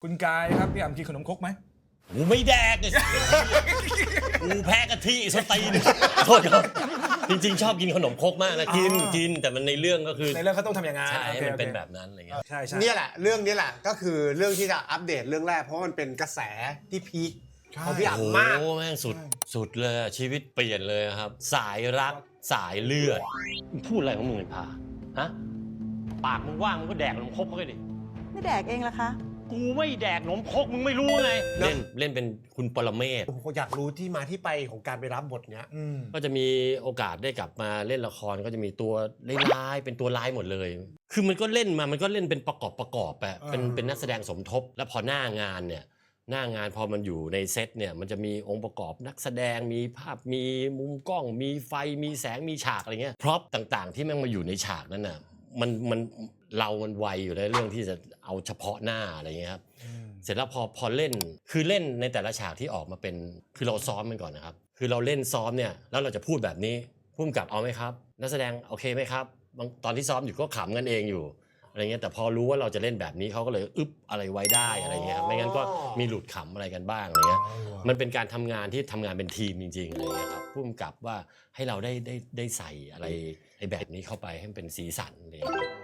คุณกายครับพี่อ่ำกินขนมครกไหมกูไม่แดกเลยกูแพ้กะทิสตีนโทษครับจริงๆชอบกินขนมครกมากนะกินแต่มันในเรื่องก็คือในเรื่องเขาต้องทำอย่างนั้นใช่ให้มันเป็นแบบนั้นอะไรเงี้ยใช่เนี่ยแหละเรื่องนี้แหละก็คือเรื่องที่จะอัปเดตเรื่องแรกเพราะมันเป็นกระแสที่พีคของพี่อ่ำมากโอ้แม่งสุดเลยชีวิตเปลี่ยนเลยครับ สายรักสายเลือดพูดอะไรของมึงไอ้พาฮะปากมึงว่างมึงก็แดกขนมครกเขาไปดิไม่แดกเองละคะกูไม่แดกขนมครกมึงไม่รู้ไงเล่นเป็นคุณปรเมศผมอยากรู้ที่มาที่ไปของการไปรับบทเนี้ยก็จะมีโอกาสได้กลับมาเล่นละครก็จะมีตัวร้ายๆเป็นตัวร้ายหมดเลย คือมันก็เล่นเป็นประกอบอะเป็นนักแสดงสมทบแล้วพอหน้างานพอมันอยู่ในเซตเนี่ยมันจะมีองค์ประกอบนักแสดงมีภาพมีมุมกล้องมีไฟมีแสงมีฉากอะไรเงี้ยพร็อพต่างๆที่แม่งมาอยู่ในฉากนั้นน่ะมันไวอยู่ในเรื่องที่จะเอาเฉพาะหน้าอะไรเงี้ยครับเสร็จแล้วพอเล่นคือเล่นในแต่ละฉากที่ออกมาเป็นคือเราซ้อมมันก่อนนะครับคือเราเล่นซ้อมเนี่ยแล้วเราจะพูดแบบนี้พุ่มกับเอาไหมครับนักแสดงโอเคไหมครับตอนที่ซ้อมอยู่ก็ขำกันเองอยู่อะไรเงี้ยแต่พอรู้ว่าเราจะเล่นแบบนี้เขาก็เลยอึ๊บอะไรไว้ได้อะไรเงี้ยครับไม่งั้นก็มีหลุดขำอะไรกันบ้างอะไรเงี้ยมันเป็นการทำงานที่ทำงานเป็นทีมจริงๆอะไรเงี้ยครับพุ่มกับว่าให้เราได้ใส่อะไรไอ้แบบนี้เข้าไปให้มันเป็นสีสันอะไรเงี้ย